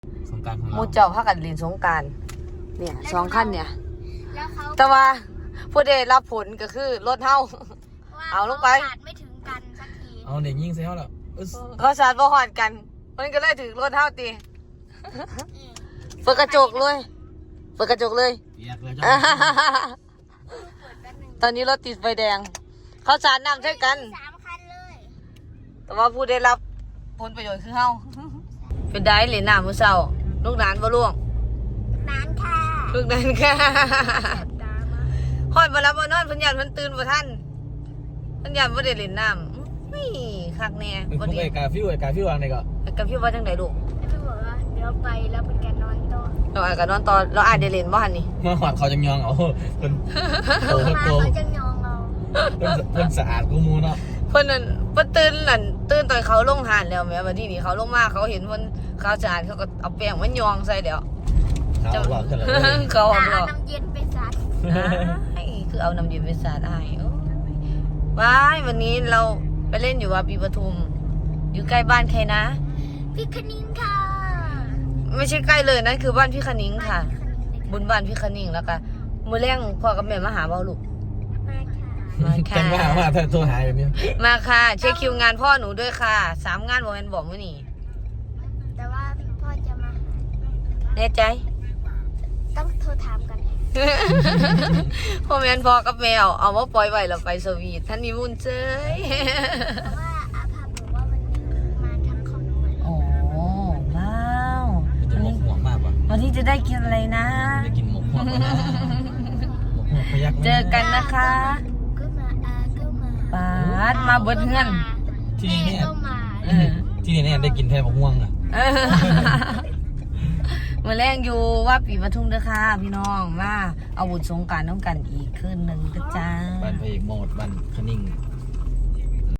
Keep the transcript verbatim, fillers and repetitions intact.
สงกรานต์ของเราหมู่เจ้าพากันเล่นสงกรานต์เนี่ยสองคันเนี่ยแล้วเขาแต่ว่าผู้ได้รับผลก็คือรถเฮา เอาลงไปขขาดไม่ถึงกันสักทีเอาเด็กยิงใส่เขาแล้วอึ๊สเขาชาร์จบ่ฮอดกัน มันก็เลยถึงรถเฮาตีอืมเปิดกระจกเลยเปิดกระจกเลยแยกเลยจ้าเปิดแป๊บนึงตอนนี้รถติดไฟแดง เขาสารน้ำใช่กันสามคันเลยแต่ว่าผู้ได้รับผลประโยชน์คือเฮา เป็นได้เหรียญน้ำมื้อเช้าลูกหลานบ่ล่วงนานค่ะลูกหลานค่ะแสบตามากฮอดบ่รับบ่นอนเพิ่นย่านเพิ่นตื่นบ่ทันเพิ่นย่านบ่ได้เล่นน้ำนี่คักแน่เป็นบ่พวกดีไอ้กาฟิวไอ้กาฟิววางไหนก็กับพี่ว่าจังไดลูกแล้วพี่บอกว่าเดี๋ยวไปแล้วเป็นการนอนต่อเราอาจก็นอนตอนเราอาจได้เล่นบ่หั่นนี่มาหอดเขาจังยองเอาเพิ่นโตมาโตเขาจะยองเราเพิ่นเพิ่นสะอาดกูมูเนาะเพิ่นนั่นเพิ่นตื่นนั่นตื่นตอนเขาลงหานแล้วแม่บัดนี้นี่เขาลงมาเขาเห็นเพิ่นเขาสะอาดเขาก็เอาแป้งมันยองใส่เดี๋ยวเขาบอกกันเลยเขาอ่ะเอาบเอาอกน้ำเย็นไปซัดไอ้คือเอาน้ำเย็นไปสาดอ้ายโอ้ยว้ายวันนี้เราไปเล่นอยู่ว่าปีปทุม อยู่ใกล้บ้านใครนะพี่คณิงค่ะไม่ใช่ใกล้เลยนั่นคือบ้านพี่คณิงค่ะพี่บุญบ้านพี่คณิงแล้วก็มื้อแรงพ่อกับแม่มาหาเบาลูกคณิงมาค่ะมาค่ะจังว่าว่าถ้าโทรหาแบบนี้มาค่ะเช็คคิวงานพ่อหนูด้วยค่ะสามงานบอกแม่นบอกมื้อนี้แต่ว่าพ่อจะมาแน่ใจต้องโทรถามกันพ่อแม่นพ่อกับแมวเอามาปล่อยไว้แล้วไปสวีทท่านมีบุญเจ้ยเพราะว่าอาภาบอกว่าวันนี้มาทั้งของหนูเลยโอ้ว้าวจะหมกห่วงมากป่ะวันนี้จะได้กินอะไรนะได้กินหมกห่วงนะหมกห่วงพยักเจอกันนะคะก็มาอาก็มาปาดมาเบิดเฮือนที่นี่เนี่ยแม่ก็มาเออที่นี่เนี่ยได้กินแทนหมกห่วงอ่ะเออมาแรงอยู่ว่าปีปทุมเด้อค่ะพี่น้องมาเอาบุญสงกรานต์น้องกันอีกคืนหนึ่งเด้อจ้าบ้านพระเอกโมดบ้านคณิง